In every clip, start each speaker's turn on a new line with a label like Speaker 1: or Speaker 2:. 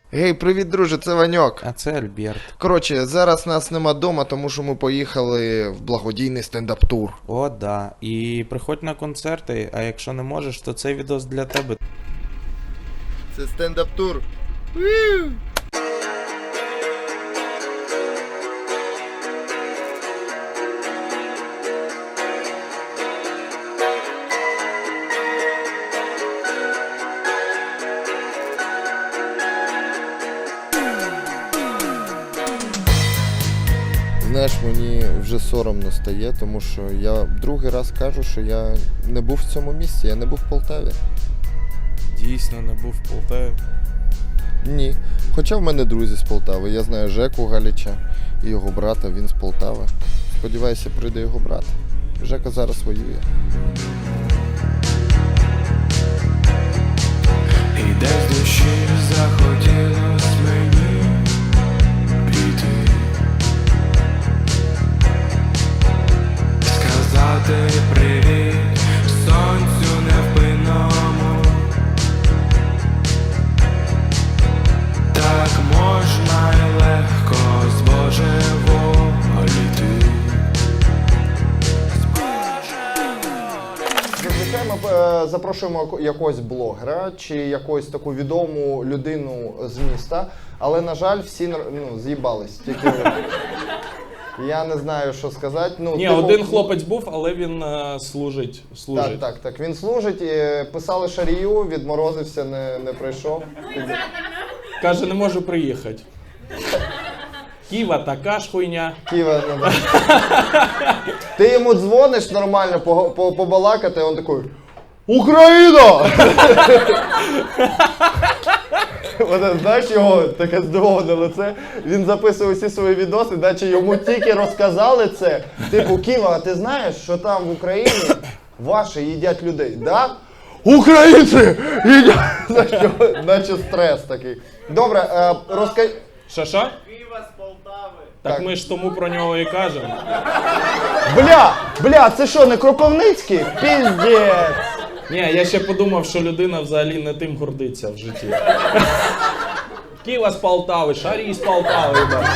Speaker 1: Гей, привіт, друже, це Ваньок.
Speaker 2: А це Альберт.
Speaker 1: Коротше, зараз нас нема дома, тому що ми поїхали в благодійний стендап-тур.
Speaker 2: О, да. І приходь на концерти, а якщо не можеш, то цей відос для тебе.
Speaker 1: Це стендап-тур. Знаєш, мені вже соромно стає, тому що я другий раз кажу, що я не був в цьому місці, я не був в Полтаві.
Speaker 2: Дійсно, не був в Полтаві.
Speaker 1: Ні. Хоча в мене друзі з Полтави. Я знаю Жеку Галіча і його брата, він з Полтави. Сподіваюся, прийде його брат. Жека зараз воює.
Speaker 3: І десь з душі захотілось мені піти, сказати привіт сонцю невпинному. Так можна й легко збожеволіти.
Speaker 1: Зазвичай ми запрошуємо якогось блогера чи якусь таку відому людину з міста, але, на жаль, всі з'їбались. Тільки я не знаю, що сказати.
Speaker 4: Ні, один хлопець був, але він служить.
Speaker 1: Так. Він служить, писали шарію, відморозився, не прийшов.
Speaker 4: Каже, не можу приїхати. Ківа така ж хуйня.
Speaker 1: Києва, Ти йому дзвониш нормально, побалакати, він такий: Україна! Знаєш його таке здивоване лице, він записує всі свої відоси, наче йому тільки розказали це. Типу, Ківа, а ти знаєш, що там в Україні ваші їдять людей, да? Українці їдять! Наче стрес такий. Добре, розкажи.
Speaker 4: Що? Так ми ж тому про нього і кажемо.
Speaker 1: Бля, це що, не Кропивницький? Піздець!
Speaker 4: Ні, я ще подумав, що людина взагалі не тим гордиться в житті. Ківа з Полтави, Шарій з Полтави.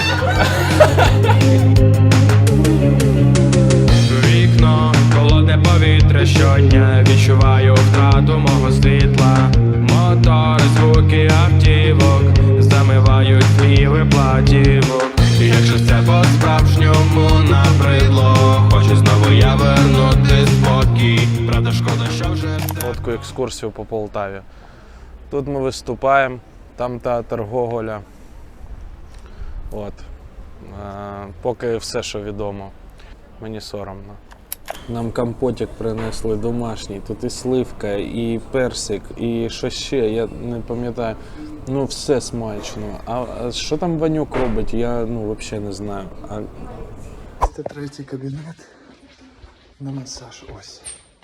Speaker 3: Вікно, холодне повітря щодня, відчуваю втрату мого світла. Мотори, звуки автівок замивають твій платівок. Якщо це по-справжньому набридло, хочу знову я вернути спокій. Правда, шкода, що вже
Speaker 2: Коротку екскурсію по Полтаві. Тут ми виступаємо, там театр Гоголя. От. Поки все, що відомо. Мені соромно. Нам компотик принесли домашній. Тут і сливка, і персик, і що ще, я не пам'ятаю. Ну, все смачно. А що там Ванюк робить, я взагалі не знаю.
Speaker 5: Це третій кабінет на масаж. Ось.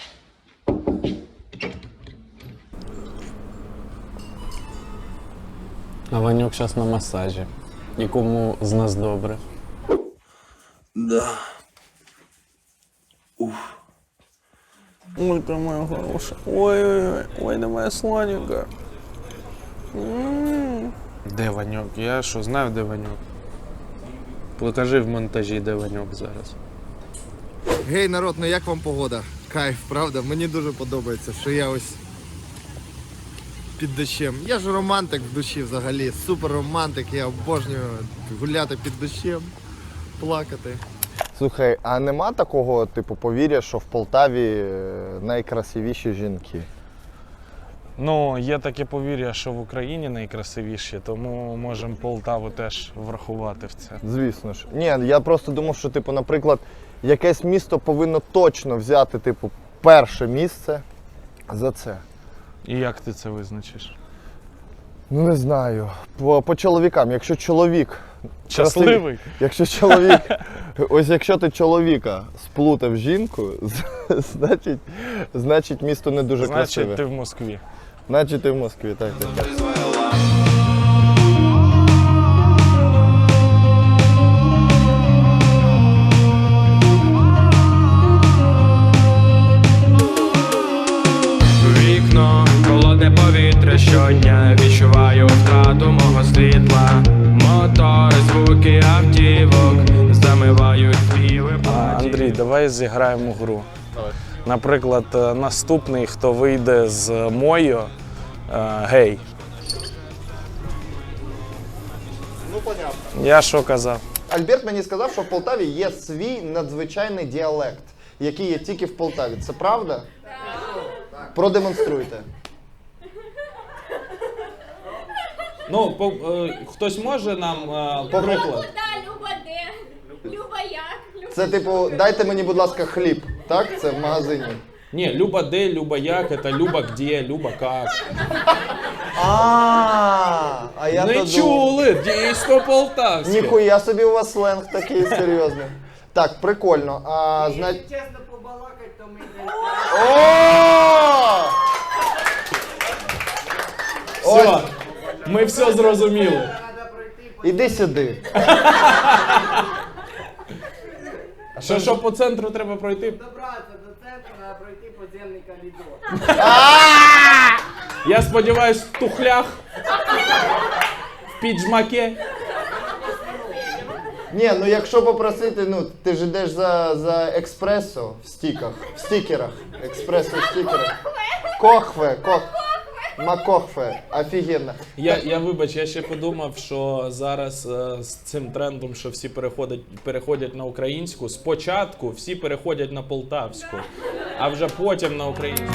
Speaker 2: А Ванюк зараз на масажі. І кому з нас добре.
Speaker 5: Да.
Speaker 2: Ой, ти моя хороша. Ой, ти моя сладенька. Де Ванюк? Я що, знаю, де Ванюк? Покажи в монтажі, де Ванюк зараз.
Speaker 1: Гей, народ, ну як вам погода? Кайф, правда? Мені дуже подобається, що я ось під дощем. Я ж романтик в душі взагалі, супер романтик, я обожнюю гуляти під дощем, плакати. Слухай, а нема такого, типу, повір'я, що в Полтаві найкрасивіші жінки?
Speaker 2: Ну, є таке повір'я, що в Україні найкрасивіші, тому можемо Полтаву теж врахувати в це.
Speaker 1: Звісно ж. Ні, я просто думав, що, типу, наприклад, якесь місто повинно точно взяти, типу, перше місце за це.
Speaker 2: І як ти це визначиш?
Speaker 1: Ну, не знаю. По чоловікам, якщо чоловік
Speaker 2: Щасливий?
Speaker 1: Якщо чоловік, ось якщо ти чоловіка сплутав жінку, значить місто не дуже красиве.
Speaker 2: Значить, ти в Москві.
Speaker 1: Значить ти в Москві, так.
Speaker 3: вікно, холодне повітря щодня, відчуваю втрату мого світла.
Speaker 2: давай зіграємо гру. Наприклад, наступний, хто вийде з Мойо, гей.
Speaker 1: Ну, понятно.
Speaker 2: Я що казав?
Speaker 1: Альберт мені сказав, що в Полтаві є свій надзвичайний діалект, який є тільки в Полтаві. Це правда? Так. Продемонструйте.
Speaker 4: Ну, хтось може нам приклад?
Speaker 6: Куда, Люба де? Люба як?
Speaker 1: Це типу, дайте мені, будь ласка, хліб. Так? Це в магазині.
Speaker 4: Ні, Люба де, Люба як, це Люба где, Люба как.
Speaker 1: А я
Speaker 4: Не
Speaker 1: то
Speaker 4: чули, дійсно полтавське.
Speaker 1: Ніхуя собі у вас сленг такий серйозний. Так, прикольно.
Speaker 7: Чесно побалакать, то ми
Speaker 1: О!
Speaker 4: Все, ми все зрозуміли.
Speaker 7: треба пройти
Speaker 1: Іди сюди.
Speaker 4: Що по центру треба пройти?
Speaker 7: добратися до центру, треба пройти подземний коридор.
Speaker 4: Я сподіваюсь, в тухлях, в піджмаке.
Speaker 1: Ні, ну якщо попросити, ну ти ж йдеш за експресо в стікерах. Експресо в стікерах. Кохве. Макохве. Офігенно.
Speaker 4: Я вибач, я ще подумав, що зараз з цим трендом, що всі переходять на українську, спочатку всі переходять на полтавську, а вже потім на українську.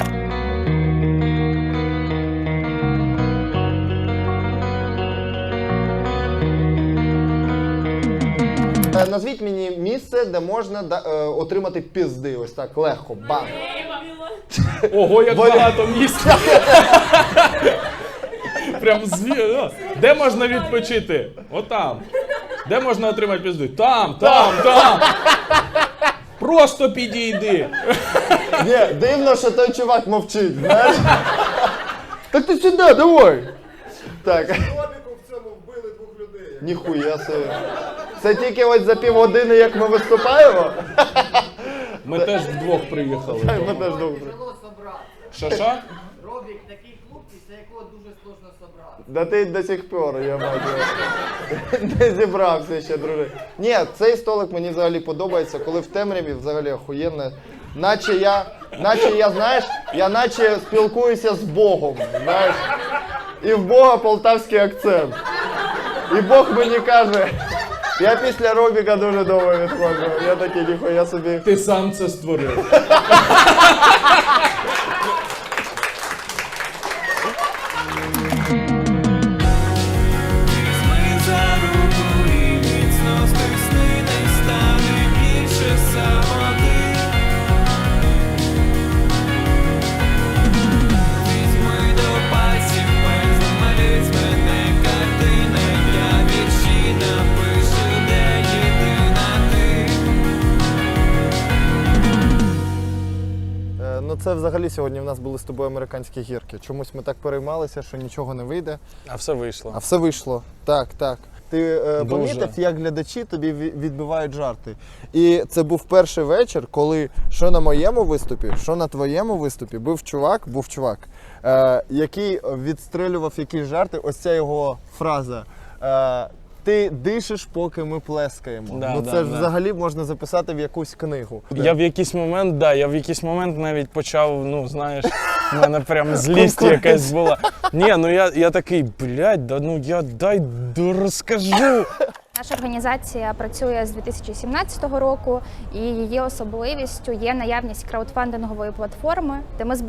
Speaker 1: Назвіть мені місце, де можна отримати пізди. Ось так, легко. Бам.
Speaker 4: Ого, як багато місць. Прям де можна відпочити? Отам. Де можна отримати пізди? Там. Просто підійди.
Speaker 1: Ні, дивно, що той чувак мовчить, знаєш? Так ти сюди, давай. Так.
Speaker 5: в цьому вбили 2 людей.
Speaker 1: Ніхуя собі. Це тільки ось за півгодини, як ми виступаємо?
Speaker 4: Ми теж вдвох приїхали.
Speaker 1: Ми теж добре.
Speaker 7: Тяжело собрати.
Speaker 4: Що?
Speaker 7: Робік такий клуб, після якого дуже сложно собрати.
Speaker 1: Да ти до сих пор, я бачу. Не зібрався ще, друже. Ні, цей столик мені взагалі подобається, коли в темряві взагалі охуєнно. Наче я, знаєш, я наче спілкуюся з Богом, знаєш. І в Бога полтавський акцент. І Бог мені каже, я після Робіка дуже довго відходжу. Я такий, ніхуя собі.
Speaker 4: Ти сам це створив.
Speaker 3: Візьми за руку і міцно стисни, не стане більше самоти. Візьми до пальців пензлем, малюй з мене картини, я вірші напишу, де єдина ти.
Speaker 1: Ну це взагалі сьогодні в нас були з тобою американські гірки. Чомусь ми так переймалися, що нічого не вийде.
Speaker 2: А все вийшло.
Speaker 1: А все вийшло. Так. Ти
Speaker 2: Дуже.
Speaker 1: помітив, як глядачі тобі відбивають жарти. І це був перший вечір, коли що на моєму виступі, що на твоєму виступі був чувак, який відстрелював якісь жарти. Ось ця його фраза. Ти дишиш, поки ми плескаємо.
Speaker 2: Да,
Speaker 1: це
Speaker 2: да,
Speaker 1: ж
Speaker 2: да.
Speaker 1: взагалі можна записати в якусь книгу.
Speaker 2: Я в якийсь момент навіть почав, ну знаєш, в мене прям злість якась була. Ні, ну я такий, блядь, дай розкажу.
Speaker 6: Наша організація працює з 2017 року, і її особливістю є наявність краудфандингової платформи, де ми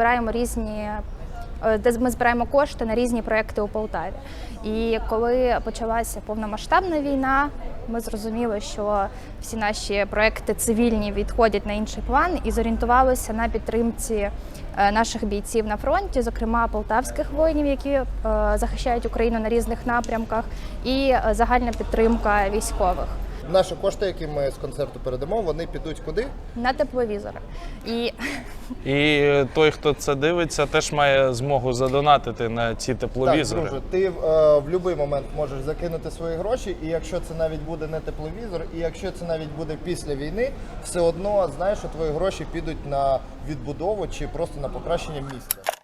Speaker 6: збираємо кошти на різні проекти у Полтаві. І коли почалася повномасштабна війна, ми зрозуміли, що всі наші проекти цивільні відходять на інший план і зорієнтувалися на підтримці наших бійців на фронті, зокрема полтавських воїнів, які захищають Україну на різних напрямках, і загальна підтримка військових.
Speaker 1: Наші кошти, які ми з концерту передамо, вони підуть куди?
Speaker 6: На тепловізори.
Speaker 2: І той, хто це дивиться, теж має змогу задонатити на ці тепловізори.
Speaker 1: Так, друже, ти в будь-який момент можеш закинути свої гроші, і якщо це навіть буде не тепловізор, і якщо це навіть буде після війни, все одно знаєш, що твої гроші підуть на відбудову чи просто на покращення місця.